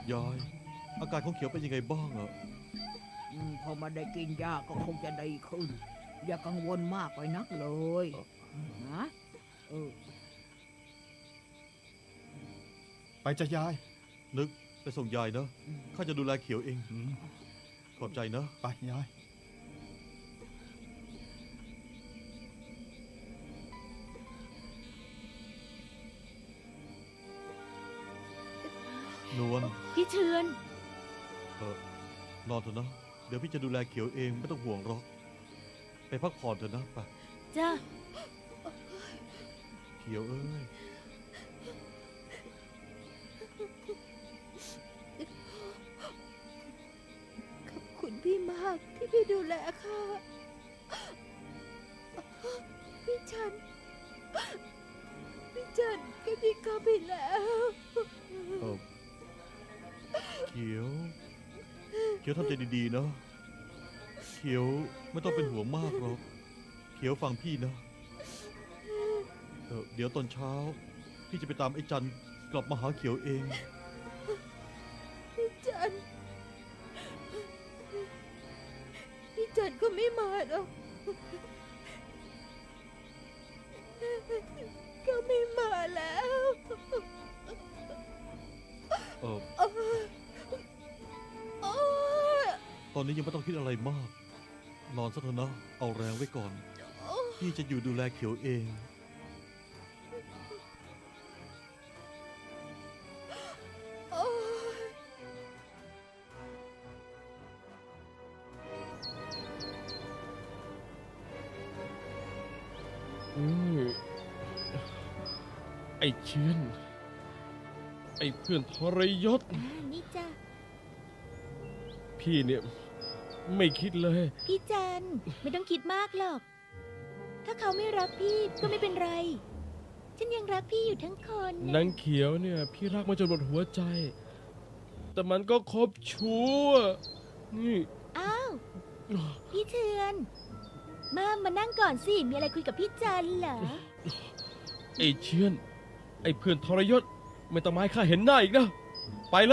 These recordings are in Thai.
ยายอาการของเขียวเป็นยังไงบ้างอะพอมาได้กินยาก็คงจะดีขึ้น อย่ากังวลมากไปนักเลยนะเออไปจะยายนึกไปส่งยายนะข้าจะดูแลเขียวเองขอบใจนะไปยายนวลพี่เชือนนอนเถอะนะเดี๋ยวพี่จะดูแลเขียวเองไม่ต้องห่วงหรอกไปพักผ่อนเถอะนะไปจ้าเขียวเอ้ยขอบคุณพี่มากที่พี่ดูแลข้าพี่จันก็ทิ้งข้าไปแล้วเขียวทำใจดีๆนะเขียวไม่ต้องเป็นห่วงมากหรอกเขียวฟังพี่นะเดี๋ยวตอนเช้าพี่จะไปตามไอ้จันกลับมาหาเขียวเองพี่จันก็ไม่มาหรอกก็ไม่มาแล้วตอนนี้ยังไม่ต้องคิดอะไรมาก นอนซะเถอะนะ เอาแรงไว้ก่อน พี่จะอยู่ดูแลเขียวเองไอ้เชือนไอ้เพื่อนทรยศนี่จ้ะพี่เนี่ยไม่คิดเลยพี่จันไม่ต้องคิดมากหรอก ถ้าเขาไม่รักพี่ก็ไม่เป็นไร ฉันยังรักพี่อยู่ทั้งคนนางเขียวเนี่ยพี่รักมาจนหมดหัวใจ แต่มันก็คบชู้อะนี่อ้าว พี่เชือน มานั่งก่อนสิ มีอะไรคุยกับพี่จันเหรอไอ้เชือนไอ้เพื่อนทรยศไม่ต้องมาให้ข้าเห็นหน้าอีกนะ ไปเลย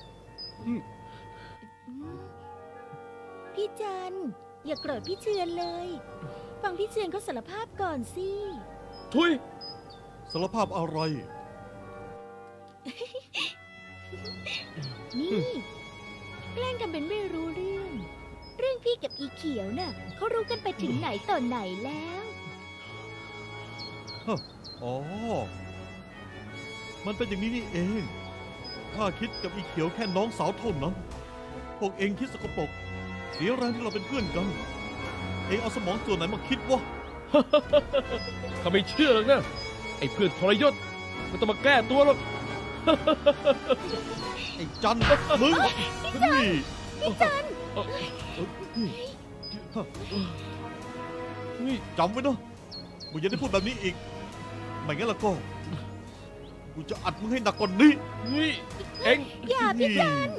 พี่จันอย่าโกรธพี่เชือนเลย ฟังพี่เชือนเขาสารภาพก่อนสิทุยสารภาพอะไรนี่แกล้งทำเป็นไม่รู้เรื่อง เรื่องพี่กับอีเขียวน่ะเขารู้กันไปถึงไหนต่อไหนแล้วอ๋อ มันเป็นอย่างนี้นี่เอง ข้าคิดกับอีเขียวแค่น้องสาวเท่านั้น พวกเองคิดสกปรกเสียแรงที่เราเป็นเพื่อนกัน เองเอาสมองส่วนไหนมาคิดวะข้าไม่เชื่อหรอกนะ ไอ้เพื่อนทรยศไม่ต้องมาแก้ตัวหรอกไอ้จันมึงนี่พี่จันนี่จำไว้นะมึงอย่าได้พูดแบบนี้อีก ไม่งั้นแล้วก็ กูจะอัดมึงให้หนักกว่านี้นี่เองอย่าพี่จัน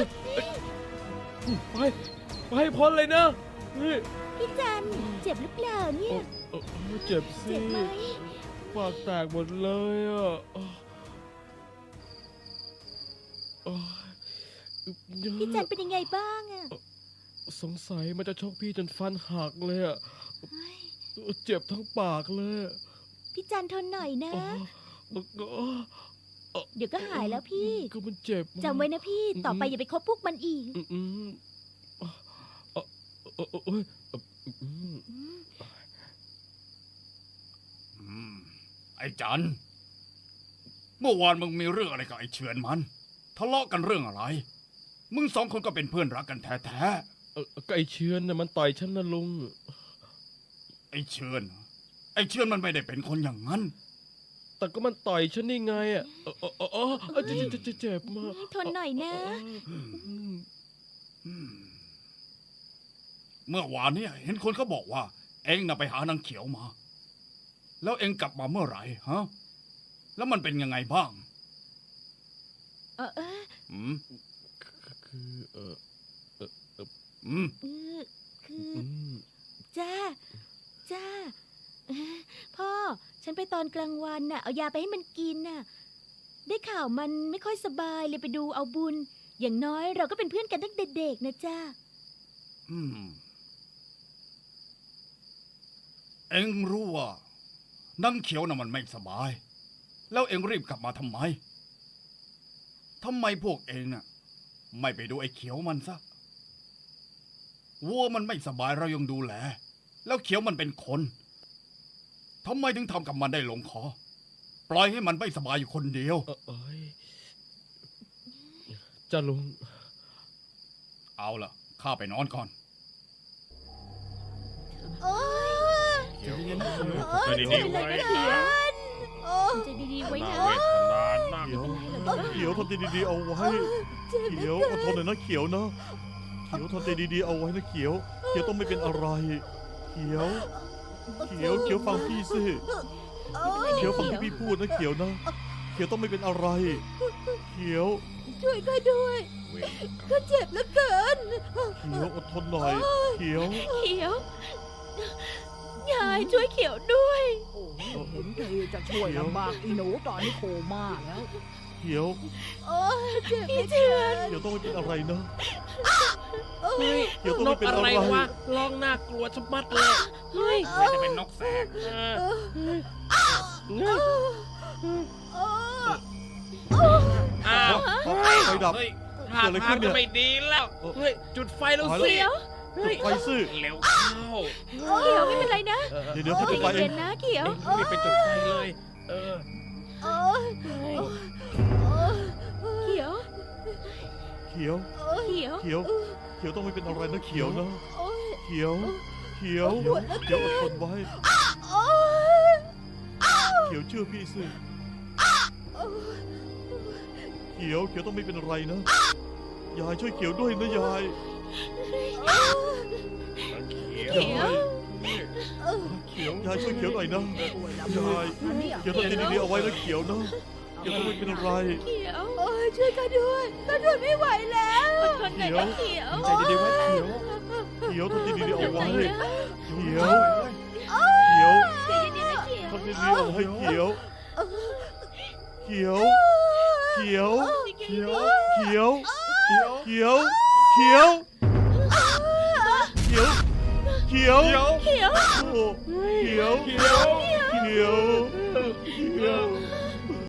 ไปให้พ้นเลยนะนี่พี่จันเจ็บหรือเปล่าเนี่ยเจ็บสิเจ็บไหมปากแตกหมดเลยอ่ะพี่จันเป็นยังไงบ้างอะสงสัยมันจะชกพี่จนฟันหักเลยอ่ะเฮ้ยเจ็บทั้งปากเลยอะพี่จันทนหน่อยนะอ๋อเดี๋ยวก็หายแล้วพี่ก็มันเจ็บจำไว้นะพี่ ต่อไปอย่าไปคบพวกมันอีกอืมโอ้ยไอ้จันเมื่อวานมึงมีเรื่องอะไรกับไอ้เฉือนมัน ทะเลาะกันเรื่องอะไร มึงสองคนก็เป็นเพื่อนรักกันแท้ก็ไอเชือนน่ะมันต่อยฉันนะลุงๆไอ้เฉือนไอ้เฉือนมันไม่ได้เป็นคนอย่างนั้นแต่ก็มันต่อยฉันนี่ไงอ่ะเจ็บมากทนหน่อยนะเมื่อวานเนี่ยเห็นคนเขาบอกว่า เอ็งน่ะไปหานางเขียวมา แล้วเอ็งกลับมาเมื่อไหร่ฮะ แล้วมันเป็นยังไงบ้าง อืมคืออืมคือจ้าพ่อ ฉันไปตอนกลางวันน่ะ เอายาไปให้มันกินน่ะ ได้ข่าวมันไม่ค่อยสบายเลยไปดูเอาบุญอย่างน้อยเราก็เป็นเพื่อนกันตั้งแต่เด็กนะจ้าอืม เอ็งรู้ว่านังเขียวน่ะมันไม่สบาย แล้วเอ็งรีบกลับมาทำไมพวกเอ็งน่ะไม่ไปดูไอ้เขียวมันซะวัวมันไม่สบายเรายังดูแล แล้วเขียวมันเป็นคนทำไมถึงทำกับมันได้ลงคอ ปล่อยให้มันไม่สบายอยู่คนเดียวเอ้ยจ้าลุงเอาล่ะข้าไปนอนก่อนใจดีๆใจไว้ดีๆไว้นะเขียวเขียวทำใจดีๆเอาไว้ เขียวอดทนหน่อยนะเขียวนะ เขียวทำใจดีๆเอาไว้นะเขียว เขียวต้องไม่เป็นอะไร เขียว เขียวฟังพี่สิ เขียวฟังที่พี่พูดนะเขียวนะ เขียวต้องไม่เป็นอะไร เขียวช่วยข้าด้วยข้าเจ็บเหลือเกินเขียวอดทนหน่อย เขียวเขียว ยายช่วยเขียวด้วยโอ้ยเห็นทีจะช่วยลำบากอีหนูตอนนี้โคม่าแล้วเขียวพี่เชือนเขียวต้องไม่เป็นอะไรนะเฮ้ยเขียวต้องนไม่กเป็นอะอะไร ไรวะร้องน่ากลัวชะมัดเลยเฮ้ยไม่จะเป็นนกแสกอ้าวไฟดับเฮ้ยท่าทางจะไม่ดีแล้วเฮ้ยจุดไฟแล้วสิเขียวเฮ้ยไฟซื่อเร็วเข้าเขียวไม่เป็นไรนะเดี๋ยวเขาจะไปเอเย็งนนะเขียวรีบไปจุดไฟเลย เออเขียวเขียวเขียวเขียว เขียวต้องไม่เป็นอะไรนะเขียวนะ เขียว เขียว เขียวอดทนไว้ เขียวเชื่อพี่สิ เขียวต้องไม่เป็นอะไรนะ ยายช่วยเขียวด้วยนะยายเขียวเขียวยายช่วยเขียวหน่อยนะช่วยลำบากนะเนี่ยเขียวต้องดีๆเอาไว้นะเขียวนะ เขียวต้องไม่เป็นอะไรเขียวช่วยข้าด้วยข้าทนไม่ไหวแล้วอดทนหน่อยนะเขียวใจดีๆไว้เขียวเขียวต้องดีๆเอาไว้ใจนะเขียว เขียวใจเย็นๆนะเขียวทำดีๆเอาไว้เขียว เขียว เขียวเขียวเขียวเขียวเขียว เขียว เขียว เขียวเขียวเขียวโอ้เขียว เขียว เขียว เขียว